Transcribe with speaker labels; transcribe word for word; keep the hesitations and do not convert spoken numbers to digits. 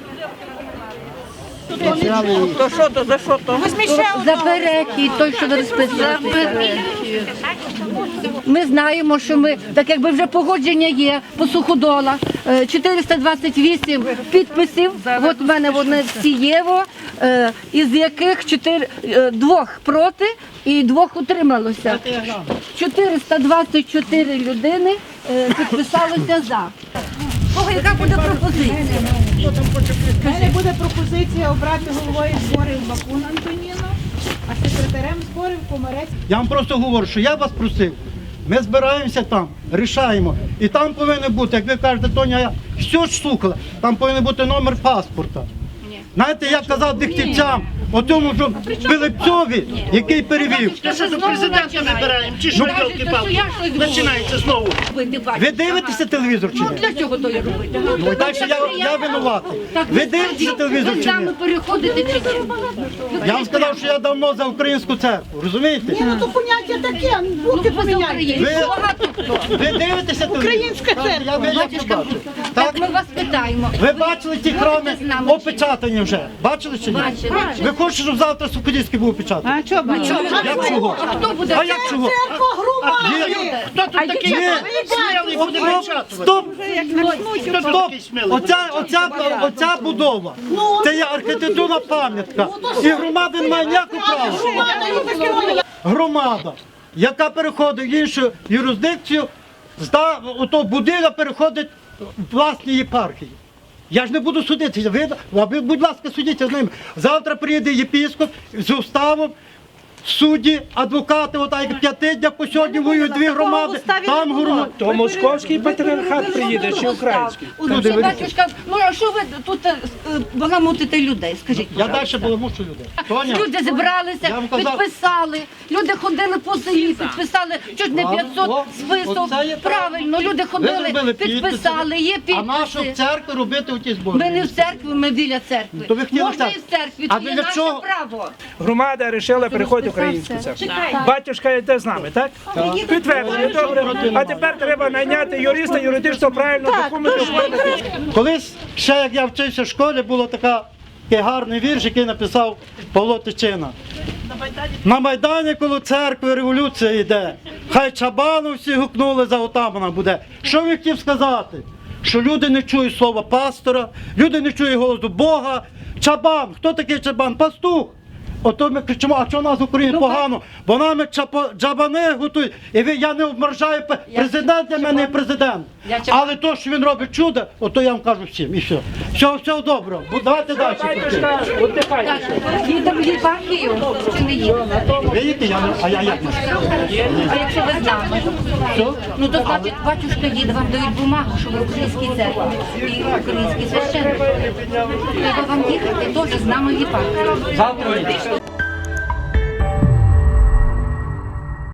Speaker 1: То що то, за що то?
Speaker 2: За перехід, той, що ви розписали. Ми знаємо, що ми, так якби вже погодження є по Суходола, е, чотириста двадцять вісім підписів, от в мене вони всі є, е, із яких чотири, е, двох проти і двох утрималося. чотириста двадцять чотири людини е, підписалося за. Кого яка буде пропозиція?
Speaker 3: У мене буде пропозиція обрати головою зборів Бакун Антоніну, а секретарем зборів Комарець.
Speaker 4: Я вам просто говорю, що я вас просив. Ми збираємося там, рішаємо. І там повинен бути, як ви кажете, Тоня, я все ж слухала, там повинен бути номер паспорта. Знаєте, я казав дихтівцям, о тому, що Пилипцові, який перевів.
Speaker 5: Що за президента вибираємо? Чи що, йолки-палки? Починається знову.
Speaker 4: Ви дивитеся телевізор чи ні?
Speaker 2: Для чого то я робити?
Speaker 4: Ну, і так що я, я винуватий. Ви дивитеся телевізор чи ні?
Speaker 2: Ви з нами переходите чи ні?
Speaker 4: Я вам сказав, що я давно за українську церкву, розумієте?
Speaker 3: Ні, ну то поняття таке, бути поміняйте.
Speaker 4: Ви, ви дивитеся телевізор?
Speaker 3: Українська церква.
Speaker 4: Я, я, я побачив.
Speaker 2: Так
Speaker 4: Так?
Speaker 2: ми вас питаємо.
Speaker 4: Ви бачили ті храми
Speaker 2: з нами чи ні?
Speaker 4: опечатані вже? Бачили чи ні?
Speaker 2: Бачили.
Speaker 4: Ви хочете, щоб завтра Суходільський був опечатаний?
Speaker 3: А чого б ні?
Speaker 4: Як чого?
Speaker 2: А хто буде?
Speaker 4: А як чого?
Speaker 3: Церква громади.
Speaker 5: Хто тут такий
Speaker 4: Ні.
Speaker 5: смілий буде
Speaker 4: Стоп,
Speaker 5: вичатувати?
Speaker 4: стоп,
Speaker 5: Хто тут
Speaker 4: стоп.
Speaker 5: такий смілий?
Speaker 4: Оця, оця, оця будова, це є архітектурна пам'ятка. І громада не має ніякого права.
Speaker 3: Громада, ну таке воно.
Speaker 4: Громада, яка переходить в іншу юрисдикцію, зда, ото будинок переходить в власні єпархії. Я ж не буду судитися, ви, а ви, будь ласка, судіться з ними. Завтра приїде єпископ з уставом, судді, адвокати, отак як п'ятидня по сьогодні воюють дві громади, там громади.
Speaker 6: То московський патріархат приїде чи український?
Speaker 2: Ну, що, батюшка, ну а що ви тут е, е, баламутите людей, скажіть?
Speaker 4: Я
Speaker 2: пожалуйста?
Speaker 4: далі баламушу людей. Тоня,
Speaker 2: Люди зібралися,
Speaker 4: Я вам казав-
Speaker 2: підписали, люди ходили по селі, підписали чуть не
Speaker 4: А,
Speaker 2: п'ятсот
Speaker 4: о,
Speaker 2: список.
Speaker 4: оце є
Speaker 2: Правильно, люди
Speaker 4: ви
Speaker 2: ходили,
Speaker 4: зробили
Speaker 2: підписали, є
Speaker 4: а нашу в
Speaker 2: підписи.
Speaker 4: церкві робити оті збори?
Speaker 2: Ми не в церкві, ми біля церкви.
Speaker 4: То ви хотіли
Speaker 2: Можна
Speaker 4: так?
Speaker 2: і в церкві,
Speaker 4: А
Speaker 2: це є
Speaker 4: для
Speaker 2: наше
Speaker 4: чого?
Speaker 2: право.
Speaker 6: Громада вирішила переходити в українську церкву. Батюшка йде з нами, так? Підтвердження, добре. А тепер треба найняти юриста, юридично правильно документи оформити.
Speaker 4: Колись, ще як я вчився в школі, було така, такий гарний вірш, який написав Павло Тичина. На Майдані коло церкви революція йде. Хай чабану всі гукнули, за отамана буде. Що він хотів сказати? Що люди не чують слова пастора, люди не чують голосу Бога. Чабан, хто такий чабан? Пастух. Ото ми кричимо, а що у нас в Україні погано? Бо нами чапо- джабани готують. І ви, я не обморжаю, пе- президент для мене є президент. Але то, що він робить чудо, ото я вам кажу всім. І все. Все, все добре. Бу- Давайте далі.
Speaker 6: Батюшка, віддихайте.
Speaker 2: Їдемо в єпархію чи не їдемо?
Speaker 4: Ви їдете, я не, а я як?
Speaker 2: А якщо ви з нами?
Speaker 4: Що?
Speaker 2: Ну то значить, батюшка їде, вам дають бумагу, що ви українській церкві і український священник. Треба вам їхати теж з нами в єпархію.
Speaker 4: Завтра їдете.